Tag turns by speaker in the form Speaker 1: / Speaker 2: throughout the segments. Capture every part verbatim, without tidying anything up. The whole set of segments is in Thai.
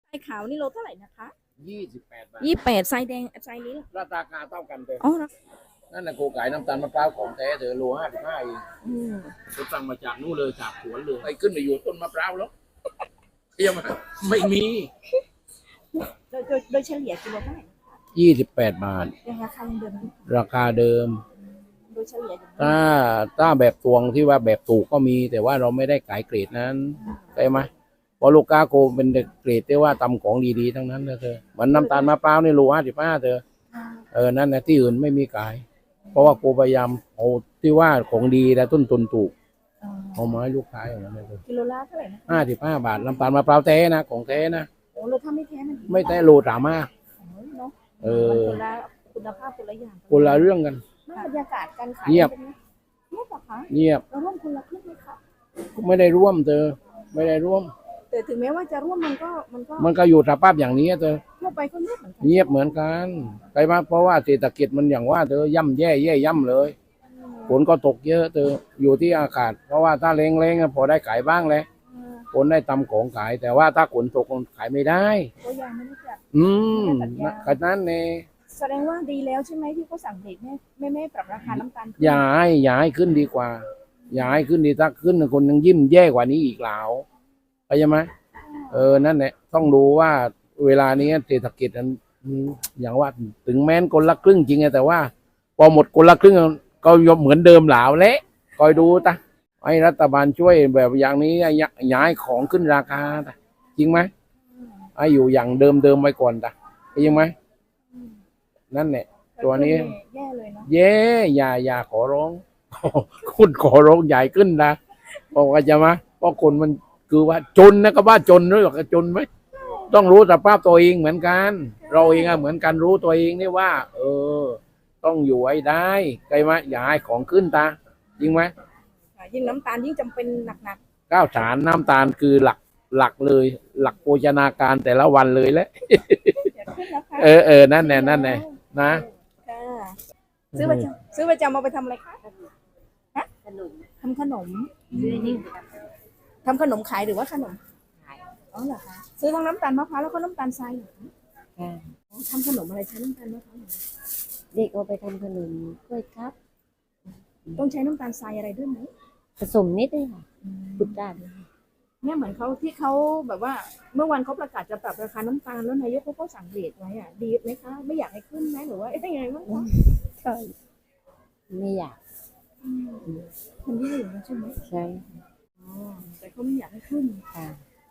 Speaker 1: ไส้ขาวนี่โลเท่าไหร่นะคะ
Speaker 2: ยี่สิบแปดบาท
Speaker 1: ยี่สิบแปดไส้แดงไส้นี้ล่ะ
Speaker 2: ราคาเท่ากันเลย
Speaker 1: อ๋อ
Speaker 2: นั่นนะโกไก่น้ำตาลมะพร้าวของแท้เธอโลห้าสิบห้าเอง
Speaker 1: อืม
Speaker 2: ไปสั่งมาจากนู่นเลยจากสวนเลยไปขึ้นไปอยู่ต้นมะพร้าวแล้วเทียมไม่มี
Speaker 1: โดยโดยโดยเฉลี่ยกิโลเท่าไหร่
Speaker 2: ยี่สิบแปดบาท
Speaker 1: ยังราคายังเดิม
Speaker 2: ราคาเดิม
Speaker 1: โดยเฉลี่ย
Speaker 2: ถ้าถ้าแบบตวงที่ว่าแบบถูกก็มีแต่ว่าเราไม่ได้ขายเกรดนั้นใช่ไหมเพราะลูกค้าโกเป็นเกรดที่ว่าทำของดีๆทั้งนั้นนะเธอเหมือนน้ำตาลมะพร้าวนี่โลห้าสิบห้าเธอเออนั่นนะที่อื่นไม่มีขายเพราะว่าโกพยายามเอาที่ว่าของดีและต้นทุนถูกเอามาให้ลูกค้าอย่างนั้นเลย
Speaker 1: กิโลละเท่าไหร่นะ
Speaker 2: ห้าสิบห้าบาทน้ำตาลมะพร้าวแท้นะของแท้นะ
Speaker 1: โอ้เราถ้าไม่แท้มัน
Speaker 2: ไม่แท้โลสามห้าเออ
Speaker 1: คนละคุณภาพคนละอย่าง
Speaker 2: คนละเรื่องกัน
Speaker 1: บรรยากาศการขาย
Speaker 2: เงียบ
Speaker 1: เงียบเหรอคะ
Speaker 2: เงียบ
Speaker 1: เราร่วมคนละครึ่งไหมคะ
Speaker 2: ไม่ได้ร่วมเธอไม่ได้ร่วม
Speaker 1: แต่ถึงแม้ว่าจะร่วมมันก็มันก็
Speaker 2: มันก็อยู่สภาพอย่างนี้เธอ
Speaker 1: ทั่วไปก็เงียบเหมือนกัน
Speaker 2: เงียบเหมือนกันไปมาเพราะว่าเศรษฐกิจมันอย่างว่าเธอย่ำแย่แย่ย่ำเลยฝนก็ตกเยอะเธออยู่ที่อากาศเพราะว่าถ้าเล้งๆพอได้ขายบ้างเลยฝนได้ตำของขายแต่ว่าถ้าฝนตกขายไม่ได้
Speaker 1: ก็ยังไม่รู้จัก
Speaker 2: อืมขนาดนั้นเอง
Speaker 1: แสดงว่าดีแล้วใช่ไหมที่เขาสั่งเด็กแม่แม่แม่ปรับราคาน้ำตาล
Speaker 2: อย่าให้อย่าให้ขึ้นดีกว่าอย่าให้ขึ้นดีถ้าขึ้นคนยังยิ้มแย่กว่านี้อีกแล้วเข้าใจไหมเออนั่นแหละต้องดูว่าเวลานี้เศรษฐกิจมันอย่างว่าถึงแม้นคนละครึ่งจริงแต่ว่าพอหมดคนละครึ่งก็ยอมเหมือนเดิมหลาวเละคอยดูตะให้รัฐบาลช่วยแบบอย่างนี้ย้ายของขึ้นราคาตะจริงไหมให้อยู่อย่างเดิมเดิมไปก่อนตะจริงไหมนั่นแหละตัวนี้
Speaker 1: แย่เลยเนาะ
Speaker 2: แย่อย่าอย่าขอร้องคุณขอร้องใหญ่ขึ้นนะบอกว่าจะมาเพราะคนมันคือว่าจนนะก็ว่าจนด้วยหรอกจนไหมต้องรู้สภาพตัวเองเหมือนกันเราเองอะเหมือนกันรู้ตัวเองนี่ว่า เออต้องอยู่ให้ได้ใช่ไหมอย่าให้ของขึ้นตาจริงไหม
Speaker 1: ยิ่งน้ำตาลยิ่งจำเป็นหนัก
Speaker 2: ๆข้าวสารน้ำตาลคือหลักหลักเลย หลักโภชนาการแต่ละวันเลยแหละเออเออนั่นแน่นั่นแน่นะ
Speaker 1: ซื้อประจำซื้อประจำมาไปทำอะไรคะฮะขนมทำขนมซื้อนี่ทำขนมขายหรือว่าขนมขายอ๋อเหรอคะซื้อทั้งน้ำตาลมะพร้าวแล้วก็น้ำตาลทรายทำขนมอะไรใช้น้ำตาลมะพร้าว
Speaker 3: เด็กเอาไปทำขนมกล้วยครับ
Speaker 1: ต้องใช้น้ำตาลทรายอะไรด้วยไหม
Speaker 3: ผสมนิดนึงค่ะพุดได้
Speaker 1: เนี่ยเหมือนเขาที่เขาแบบว่าเมื่อวันเขาประกาศจะปรับราคาน้ำตาลแล้วนายกเขาก็สั่งเรทไว้อ่ะดีไหมคะไม่อยากให้ขึ้นไหมหรือว่ายังไงบ้างคะ
Speaker 3: ใช่ไม่อยาก
Speaker 1: มันแย่อยู่นะใช่ไหม
Speaker 3: ใช่
Speaker 1: อ๋อแต่เขาไม่อยากให้ขึ้น
Speaker 3: ค่ะ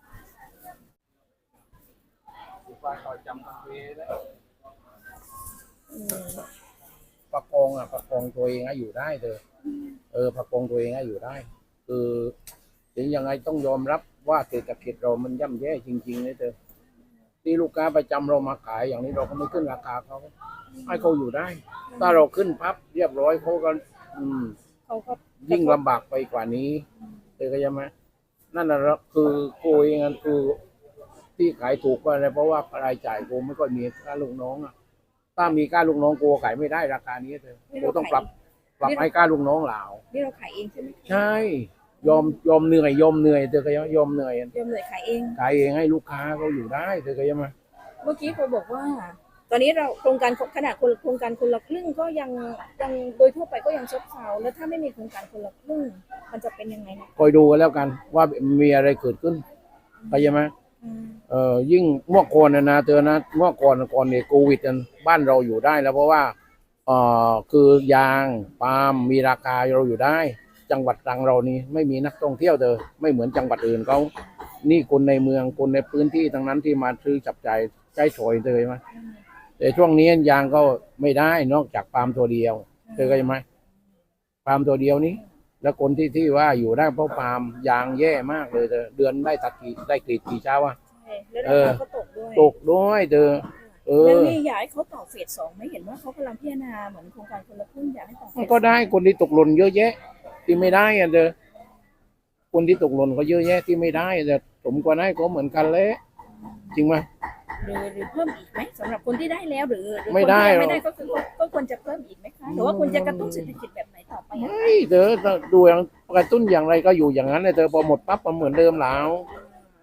Speaker 2: ประคองอ่ะประคองตัวเองให้อยู่ได้เถอะเออประคองตัวเองให้อยู่ได้คือถึงยังไงต้องยอมรับว่าเศรษฐกิจเรามันย่ำแย่จริงๆเลยเถอะที่ลูกค้าประจำเรามาขายอย่างนี้เราก็ไม่ขึ้นราคาเขาให้เขาอยู่ได้ถ้าเราขึ้นพับเรียบร้อยเขาก็อืม
Speaker 1: เขาก็
Speaker 2: ยิ่งลำบากไปกว่านี้เลยก็ยังไหมนั่นแหละคือโกเองคือที่ขายถูกก็อะไรเพราะว่ารายจ่ายโกไม่ค่อยมีค่าลูกน้องอ่ะถ้ามีค่าลูกน้องโกขายไม่ได้ราคานี้เลยโกต้องปรับปรับให้ค่าลูกน้องเหล่า
Speaker 1: นี่เราขายเองใช่ไหม
Speaker 2: ใช่ยอมยอมเหนื่อยยอมเหนื่อยเธอก็ยังยอมเหนื่อยยอม
Speaker 1: เหนื่อยขายเอง
Speaker 2: ขายเองให้ลูกค้าเขาอยู่ได้เธอก็ยังมา
Speaker 1: เมื่อกี้เขาบอกว่าตอนนี้เราโครงการขนาดโครงการคนละครึ่งก็ยังยังโดยทั่วไปก็ยังซบเซาแล้วถ้าไม่มีโครงการคนละครึ่งมันจะเป็นยังไงนะ
Speaker 2: คอยดูกันแล้วกันว่ามีอะไรเกิดขึ้นไปยังไหมเออยิ่งเมื่อก่อนนะเธอนะเมื่อก่อนก่อนเนี่ยโควิดกันบ้านเราอยู่ได้แล้วเพราะว่าเออคือยางปาล์มมีราคาเราอยู่ได้จังหวัดตรังเรานี่ไม่มีนักท่องเที่ยวเธอไม่เหมือนจังหวัดอื่นเขานี่คนในเมืองคนในพื้นที่ทั้งนั้นที่มาซื้อจับจ่ายใช้สอยเธอไหมแต่ช่วงนี้ยางก็ไม่ได้นอกจากปาล์มตัวเดียวเธอก็ยังไหมปาล์มตัวเดียวนี้แล้วคนที่ที่ว่าอยู่ได้เพราะปาล์มยางแย่มากเลยเธอเดือนได้ตัดกี่ได้กรีดกี่เช้าอ่ะ
Speaker 1: เออตกด้วย
Speaker 2: ตกด้วยเธอ
Speaker 1: เออแล้วนี่อยากให้เขาต่อเฟสสองไม่เห็นว่าเขากำลังพิจารณาเหมือนโครงการคนละครึ่งอยากให้ต่อเฟส
Speaker 2: ก็ได้คนที่ตกหล่นเยอะแยะที่ไม่ได้อ่ะเธอคนที่ตกหล่นก็เยอะแยะที่ไม่ได้แต่ผมก็ได้ก็เหมือนกันเลยจริงไหม
Speaker 1: หรือหรือเพิ่มอีกไหมสำหรับคนที่ได้แล้วหรือ
Speaker 2: ไม่ได้
Speaker 1: ไม่ได้ก็คือก็ควรจะเพิ่มอีกไหมคะหรือว่าควรจะกระตุ้นเศรษฐกิจแบบไหนต่อไป
Speaker 2: ไม่เธอดูอย่างกระตุ้นอย่างไรก็อยู่อย่างนั้นเลยเธอพอหมดปั๊บมันเหมือนเดิมแล้ว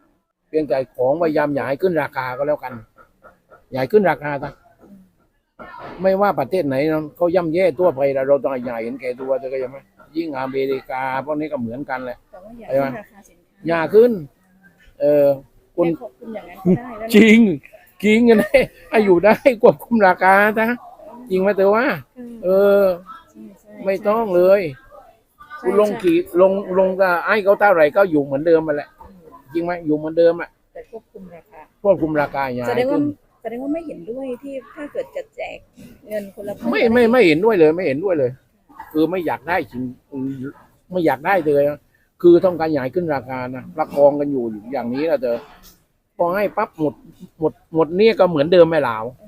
Speaker 2: เพียงแต่ของพยายามอย่าให้ขึ้นราคาก็แล้วกันอย่าให้ขึ้นราคาซะไม่ว่าประเทศไหนนะเขาย่ำแย่ทั่วไปแล้วเราต้องอย่าเห็นแก่ตัวเธอก็ยังไหมยิ่งอเมริกาพวกนี้ก็เหมือนกันแหละ
Speaker 1: แต่ว่าอยากให้ราคาสินค้า
Speaker 2: อย่าขึ้น เออคุ
Speaker 1: คุณ
Speaker 2: ณ
Speaker 1: ควบคุมอย่างนั้นก็ได้แล้วนะ
Speaker 2: จริงจริงกันเลยให้อยู่ได้ควบคุมราคานะจริงไหมเธอว่า เออ
Speaker 1: ใช่ใช่
Speaker 2: ไม่ต้องเลย
Speaker 1: ใช่
Speaker 2: คุณลง
Speaker 1: ใช่
Speaker 2: กี่ลงลงก็ไอ้เขาเท่าไหร่ก็อยู่เหมือนเดิมมาแหละจริงไหมอยู่เหมือนเดิมอ่ะ
Speaker 1: แต่ควบคุมราคา
Speaker 2: ควบคุมราคาอย่า
Speaker 1: แสด
Speaker 2: ให้
Speaker 1: งว่า
Speaker 2: ขึ้น
Speaker 1: แสดงว่าไม่เห็นด้วยที่ถ้าเกิดจะแจกเงินคนละพัน
Speaker 2: ไม่ไม่ไม่เห็นด้วยเลย ไม่เห็นด้วยเลย คือไม่อยากได้จริงไม่อยากได้เลยนะคือต้องการอยากให้ขึ้นราคานะประคองกันอยู่อย่างนี้แหละเธอพอให้ปั๊บหมดหมดหมดเนี่ยก็เหมือนเดิมไม่หลาว
Speaker 1: เอ